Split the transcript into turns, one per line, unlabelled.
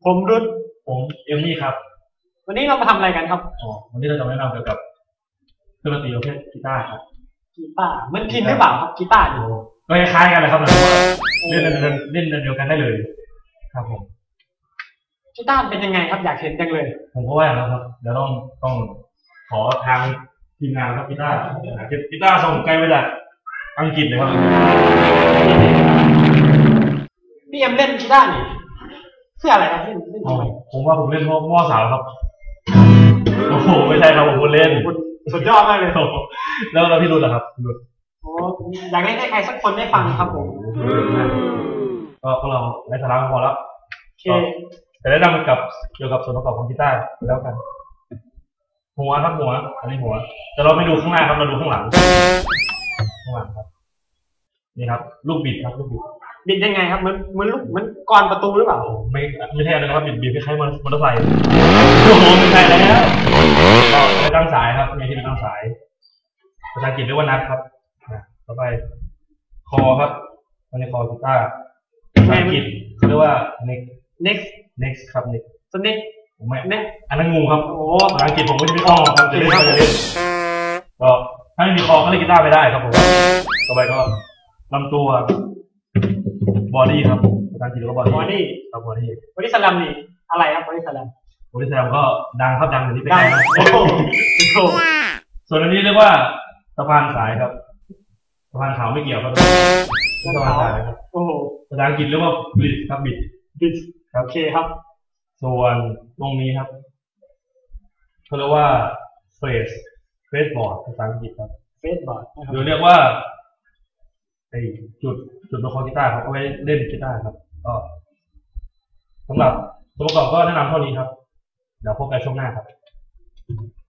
ผมรุ่น
ผมเอมมี่ครับ
วันนี้เรามาทำอะไรกันครับ
วันนี้เราจะมาแนะนำเกี่ยวกับเครื่องดนตรีประเภทกีตาร์ครับ
กีตาร์มันพินหรือเปล่าครับกีตาร์
ก็คล้ายๆกันเลยครับเล่นเดียวกันได้เลยครับผม
กีตาร์เป็นยังไงครับอยากเห็นจังเลย
ผมก็ว่าแล้วครับเดี๋ยวต้องขอทางทีมงานครับกีตาร์ส่งไกลมาจากอังกฤษเลยครับ
พี่เอ็มเล่นกีตาร์นี่เพื่ออะไรครับเล่นทำไม
ผมว่าผมเล่นเพราะมั่วสาวครับโอ้โหไม่ใช่ครับผมเล่น
สุดยอดมากเลย
แล้วเราพี่รุ่นเหรอครับรุ่น
อยากเล่นให้ใครสักคนได้ฟังครับผม
ก็พวกเราได้สาระพอแล้วแต่ได้นำกับเกี่ยวกับส่วนประกอบของกีตาร์แล้วกันหัวครับหัวอันนี้หัวแต่เราไม่ดูข้างหน้าครับเราดูข้างหลังครับนี่ครับลูกบิดครับลูก
บิดยังไงครับมันลูกมันกรประตูหรือเปล่า
ไม่ใช่นะครับบิดคล้ายๆมอเตอร์ไซค์โอ้โหไม่ใช่แล้วก็ไปตั้งสายครับมีที่ตั้งสายภาษาอังกฤษเรียกว่านัทครับต่อไปคอครับอันนี้คอกีตาร์ภาษาอังกฤษเรียกว่า next ครับ
next
ผมไม่อันนั้นงูครับโอ้ภาษาอังกฤษผมไม่ได้อ้อครับจะเล่นก็ถ้าไม่มีคอก็เล่นกีตาร์ไม่ได้ครับผมต่อไปก็ลำตัวบอดี้ครับภาษาอังกฤษเรียกว่าบอดี้ครับบอดี้
สลัมนี่อะไรครับบอดี้สลัม
ก็ดังครับดังอย่างนี้ไปได้นะส่วนอันนี้เรียกว่าสะพานสายครับสะพานขาวไม่เกี่ยวครับสะพานสายครับภาษาอังกฤษเรียกว่าบิดครับบิด
โอเคครับ
ส่วนตรงนี้ครับเขาเรียกว่าเฟสบอร์ดภาษาอังกฤษครับ
เฟสบอร์ด
หรือเรียกว่าจุดประคองกีตาร์ครับเอาไว้เล่นกีตาร์ครับก็สำหรับตัวประกอบก็แนะนำเท่านี้ครับเดี๋ยวพบกันช่วงหน้าครับ